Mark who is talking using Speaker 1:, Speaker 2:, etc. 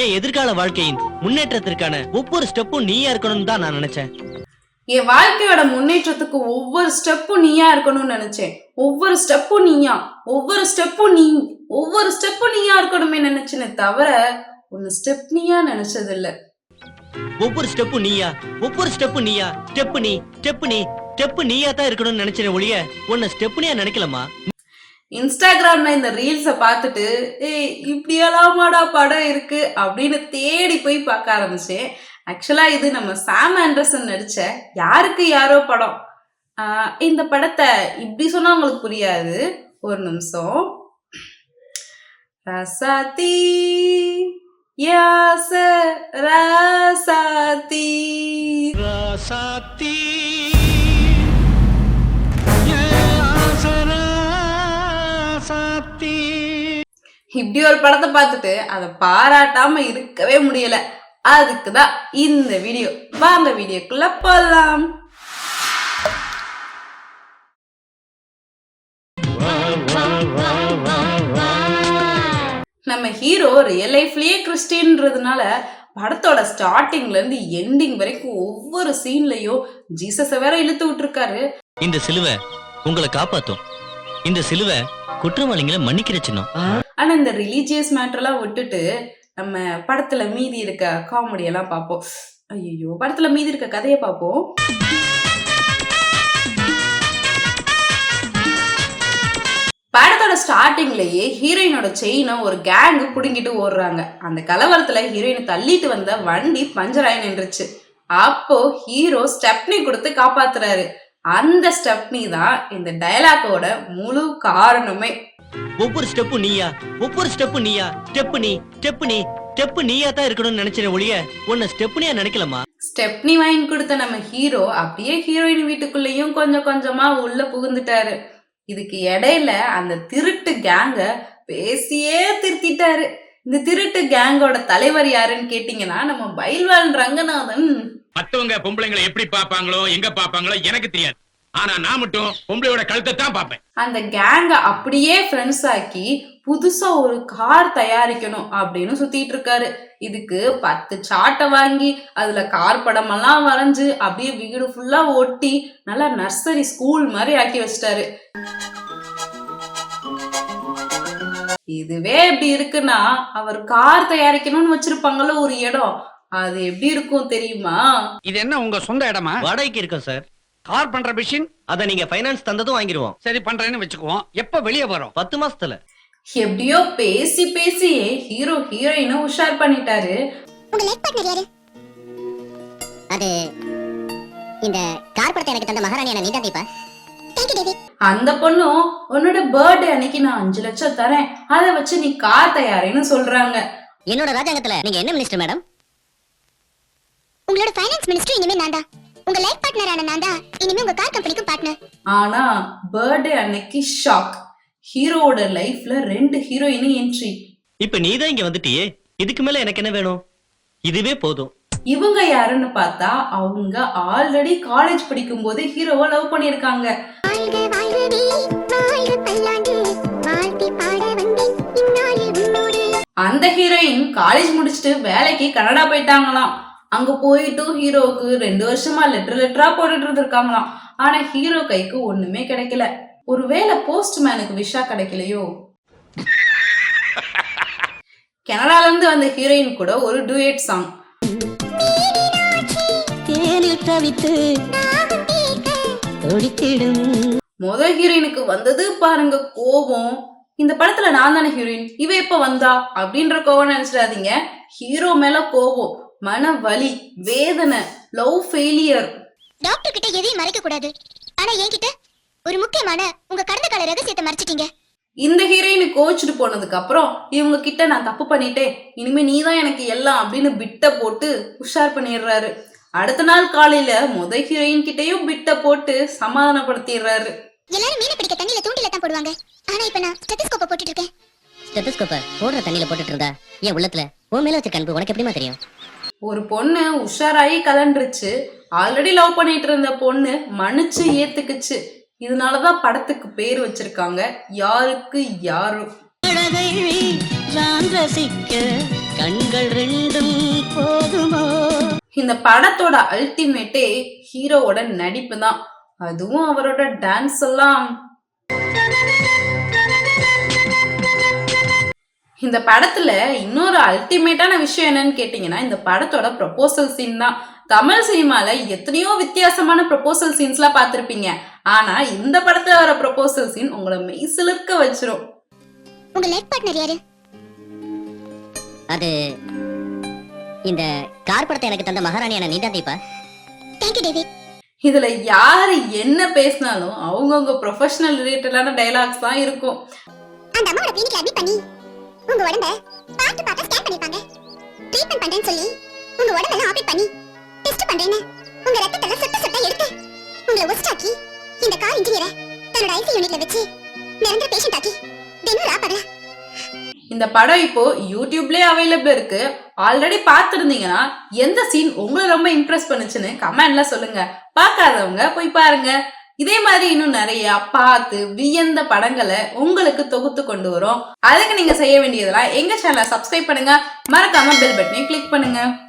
Speaker 1: என் எதிர்கால வாழ்க்கையின் முன்னேற்றத்திற்கான ஒவ்வொரு ஸ்டெப்பும் நீயா இருக்கணும்னு தான் நான் நினைச்சேன்.
Speaker 2: என் வாழ்க்கையோட முன்னேற்றத்துக்கு ஒவ்வொரு ஸ்டெப்பும் நீயா இருக்கணும்னு நினைச்சேன். ஒவ்வொரு ஸ்டெப்பும் நீயா, ஒவ்வொரு ஸ்டெப்பும் நீயா இருக்கணுமே நினைச்சேனே தவிர ஒன்னு ஸ்டெப் நீயா நினைச்சது இல்ல.
Speaker 1: ஒவ்வொரு ஸ்டெப்பும் நீயா, ஸ்டெப் நீயா தான் இருக்கணும்னு நினைச்சேன் ஒழிய உன்னை ஸ்டெப் நீயா நினைக்கலமா.
Speaker 2: இன்ஸ்டாகிராம்ல இந்த ரீல்ஸை பார்த்துட்டு இப்படியெல்லாமாடா படம் இருக்கு அப்படின்னு தேடி போய் பார்க்க ஆரம்பிச்சேன். ஆக்சுவலா இது நம்ம சாம் ஆண்டர்சன் நடிச்ச யாருக்கு யாரோ படம். இந்த படத்தை இப்படி சொன்னா உங்களுக்கு புரியாது. ஒரு நிமிஷம். ரசாத்தி யாச ரசாத்தி
Speaker 1: ரசாத்தி
Speaker 2: இப்படி ஒரு படத்தை பார்த்துட்டு அதை பாராட்டாம இருக்கவே முடியல. அதுக்குதான் இந்த வீடியோ. வாங்க வீடியோக்குள்ள போலாம். நம்ம ஹீரோ ரியல் லைஃப்லயே கிறிஸ்டியன்றதுனால படத்தோட ஸ்டார்டிங்ல இருந்து எண்டிங் வரைக்கும் ஒவ்வொரு சீன்லயும் ஜீசஸ வேற இழுத்து விட்டுருக்காரு.
Speaker 1: இந்த சிலுவை உங்களை காப்பாத்தும், இந்த சிலுவை குற்றவாளிகளை மன்னிக்கிற சின்னம்.
Speaker 2: ஆனா இந்த ரிலீஜியஸ் மேட்டர்லாம் விட்டுட்டு நம்ம படத்துல மீதி இருக்க காமெடி எல்லாம் பார்ப்போம். ஐயோ, படத்துல மீதி இருக்க கதையை பார்ப்போம். படத்தோட ஸ்டார்டிங்லயே ஹீரோயினோட செயினை ஒரு கேங்கு புடுங்கிட்டு ஓடுறாங்க. அந்த கலவரத்துல ஹீரோயினை தள்ளிட்டு வந்த வண்டி பஞ்சர் ஆகி நின்றுச்சு. அப்போ ஹீரோ ஸ்டெப்னி கொடுத்து காப்பாத்துறாரு. அந்த ஸ்டெப்னி தான் இந்த டயலாக்கோட முழு காரணமே.
Speaker 1: ஒவ்வொரு ஸ்டெப்பும் நீயா, ஸ்டெப் நீயா தான் இருக்கணும்னு நினைச்சேன் ஒழிய உன்னை ஸ்டெப்னியா நினைக்கலமா.
Speaker 2: ஸ்டெப்னி வாங்கி கொடுத்த நம்ம ஹீரோ அப்படியே ஹீரோயின் வீட்டுக்குள்ளேயும் கொஞ்சம் கொஞ்சமா உள்ள புகுந்துட்டாரு. இதுக்கு இடையில அந்த திருட்டு கேங்க பேசியே திருத்திட்டாரு. இந்த திருட்டு கேங்கோட தலைவர் யாருன்னு கேட்டீங்கன்னா நம்ம பைல்வான் ரங்கநாதன்.
Speaker 3: மத்தவங்க பொம்பளைங்களை எப்படி பாப்பாங்களோ எங்க பாப்பாங்களோ எனக்கு தெரியாது. ஆனா நான் மட்டும் பொம்பளையோட கழுத்தை தான் பாப்பேன்.
Speaker 2: அந்த கேங்க அப்படியே ஃப்ரெண்ட்ஸ் ஆக்கி புதுசா ஒரு கார் தயாரிக்கணும் அப்படின்னு சுத்திட்டு இருக்காரு. இதுக்கு 10 சாட்டை வாங்கி அதுல கார் படம் எல்லாம் வரைஞ்சு அப்படியே வீடு ஃபுல்லா ஒட்டி நல்லா நர்சரி ஸ்கூல் மாதிரி ஆக்கி வச்சிட்டாரு. இதுவே எப்படி இருக்குன்னா அவர் கார் தயாரிக்கணும்னு வச்சிருப்பாங்கல்ல ஒரு இடம், அது எப்படி இருக்கும் தெரியுமா?
Speaker 4: இது என்ன உங்க சொந்த இடமா?
Speaker 1: வாடகைக்கு இருக்கோம் சார்.
Speaker 4: கார் பண்ற மிஷின்
Speaker 1: அத நீங்க ஃபைனான்ஸ் தந்ததும் வாங்கிடுவோம்.
Speaker 4: சரி பண்றேன்னு வச்சுக்குவோம். எப்ப வெளியே வரும்?
Speaker 1: 10 மாசத்துல.
Speaker 2: எப்படியோ பேசி பேசியே ஹீரோ ஹீரோயினை உஷார் பண்ணிட்டாரு.
Speaker 5: உங்க லைஃப் பார்ட்னர் யாரு? அது இந்த கார் படத்தை எனக்கு தந்த மகாராணியான நீதான் தீபா. Thank you David.
Speaker 2: அந்த பொண்ணும் உன்னோட பர்த்டே அன்னைக்கு நான் 5 லட்சம் தரேன், அதை வச்சு நீ கார் தயாரின்னு சொல்றாங்க.
Speaker 5: என்னோட ராஜாங்கத்துல நீங்க என்ன மினிஸ்டர் மேடம்? உங்களோட ஃபைனான்ஸ் மினிஸ்டர் இனிமே நான் தான். உங்க லைஃப் பார்ட்னரான நான் தான் இனிமே உங்க கார் கம்பெனிக்கு பார்ட்னர்.
Speaker 2: ஆனா பர்த்டே அன்னைக்கு ஷாக். ஹீரோவோட லைஃப்ல 2 ஹீரோயின் என்ட்ரி.
Speaker 1: இப்ப நீ தான் இங்க வந்துட்டியே, இதுக்கு மேல எனக்கு என்ன வேணும்? இதுவே போதும்.
Speaker 2: இவங்க யாருன்னு பார்த்தா அவங்க ஆல்ரெடி காலேஜ் படிக்கும் போது ஹீரோவை லவ் பண்ணிருக்காங்க. அந்த ஹீரோயின் காலேஜ் முடிச்சுட்டு வேலைக்கு கனடா போயிட்டாங்களாம். அங்க போயிட்டு ஹீரோவுக்கு 2 வருஷமா லெட்டரா போட்டுட்டு இருந்திருக்காங்களாம். ஆனா ஹீரோ கைக்கு ஒண்ணுமே கிடைக்கல. ஒருவேளை போஸ்ட்மேனுக்கு விஷா கிடைக்கலையோ? கனடால இருந்து வந்த ஹீரோயின் கூட ஒரு டூயட் சாங். முதல் ஹீரோயினுக்கு வந்தது பாருங்க கோபம். இந்த படத்துல நான் தானே ஹீரோயின், இவ எப்ப வந்தா அப்படின்ற கோபம் நினைச்சிடாதீங்க. ஹீரோ மேல கோபம், மன வலி, வேதனை, லவ் ஃபெயிலியர்.
Speaker 5: டாக்டர் கிட்ட எதையும் மறைக்க கூடாது, ஆனா என்கிட்ட ஒரு முக்கியமான உங்க கடந்த கால ரகசியத்தை மறைச்சிட்டீங்க.
Speaker 2: இந்த ஹீரோயின் கோச்சிட்டு போனதுக்கு அப்புறம் இவங்க கிட்ட நான் தப்பு பண்ணிட்டேன், இனிமே நீதான் எனக்கு எல்லாம் அப்படின்னு பிட்ட போட்டு உஷார் பண்ணிடுறாரு. அடுத்த நாள் காலையில முதல் ஹீரோயின் கிட்டையும் பிட்ட போட்டு சமாதானப்படுத்திடுறாரு.
Speaker 5: எல்லாரும் மீனை பிடிக்க தண்ணியில தூண்டில தான் போடுவாங்க, ஆனா இப்ப நான் ஸ்டெத்தஸ்கோப்பை போட்டுட்டு இருக்கேன். ஸ்டெத்தஸ்கோப்பை போடுற தண்ணியில போட்டுட்டு இருந்தா என் உள்ளத்துல உன் மேல வச்ச கண்பு உனக்கு எப்படிமா தெரியும்?
Speaker 2: ஒரு பொண்ணு உஷாராயி கலண்டுருச்சு. ஆல்ரெடி லவ் பண்ணிட்டு இருந்த பொண்ணு மன்னிச்சு ஏத்துக்குச்சு. இதனாலதான் படத்துக்கு பேர் வச்சிருக்காங்க யாருக்கு யாரு.
Speaker 5: கண்கள் ரெண்டும் போதுமோ.
Speaker 2: இந்த படத்தோட அல்டிமேட்டே ஹீரோவோட நடிப்பு தான். அதுவும் அவரோட டான்ஸ் எல்லாம். இந்த படத்துல இன்னொரு அல்டிமேட்டான விஷயம் என்னன்னு கேட்டீங்கன்னா, இந்த படத்தோட ப்ரொபோசல் சீன் தான். தமிழ் சினிமால எத்தனையோ வித்தியாசமான ப்ரொபோசல் சீன்ஸ்லாம் பார்த்திருப்பீங்க. ஆனா இந்த படத்துல வர ப்ரொபோசல் சீன் உங்களை மெய்சிலிர்க்க வச்சிரும்.
Speaker 5: உங்க லைஃப் பார்ட்னர் யாரு? அது இந்த கார் படத்தை எனக்கு தந்த மகாராணியான நீதான் தீபா. Thank you David.
Speaker 2: இதுல யாரு என்ன பேசினாலும் அவங்கவுங்க ப்ரொஃபஷனல் ரிலேட்டடான டயலாக்ஸ் தான் இருக்கும்.
Speaker 5: அந்த அம்மாவோட கிளினிக்ல அட்மிட் பண்ணி உங்க உடம்ப பார்த்து பார்த்து ஸ்கேன் பண்ணிருப்பாங்க. ட்ரீட்மென்ட் பண்றேன்னு சொல்லி உங்க உடம்பெல்லாம் ஆபரேட் பண்ணி டெஸ்ட் பண்றேன்னு உங்க ரத்தத்தெல்லாம் சொட்ட சொட்ட எடுத்து உங்களை ஒஸ்டாக்கி இந்த கார் இன்ஜினியரை தன்னோட ஐசி யூனிட்ல வச்சு நிரந்தர பேஷண்ட் ஆக்கி தினம் ராப்பகல.
Speaker 2: இந்த படம் இப்போ யூடியூப்லயே அவைலபிள் இருக்கு. ஆல்ரெடி பார்த்துருந்தீங்கன்னா எந்த சீன் உங்களை ரொம்ப இம்ப்ரெஸ் பண்ணுச்சுன்னு கமெண்ட்ல சொல்லுங்க. பார்க்காதவங்க போய் பாருங்க. இதே மாதிரி இன்னும் நிறைய பார்த்து வியந்த படங்களை உங்களுக்கு தொகுத்து கொண்டு வரும். அதுக்கு நீங்க செய்ய வேண்டியதெல்லாம் எங்க சேனலை சப்ஸ்கிரைப் பண்ணுங்க, மறக்காம பெல் பட்டனை கிளிக் பண்ணுங்க.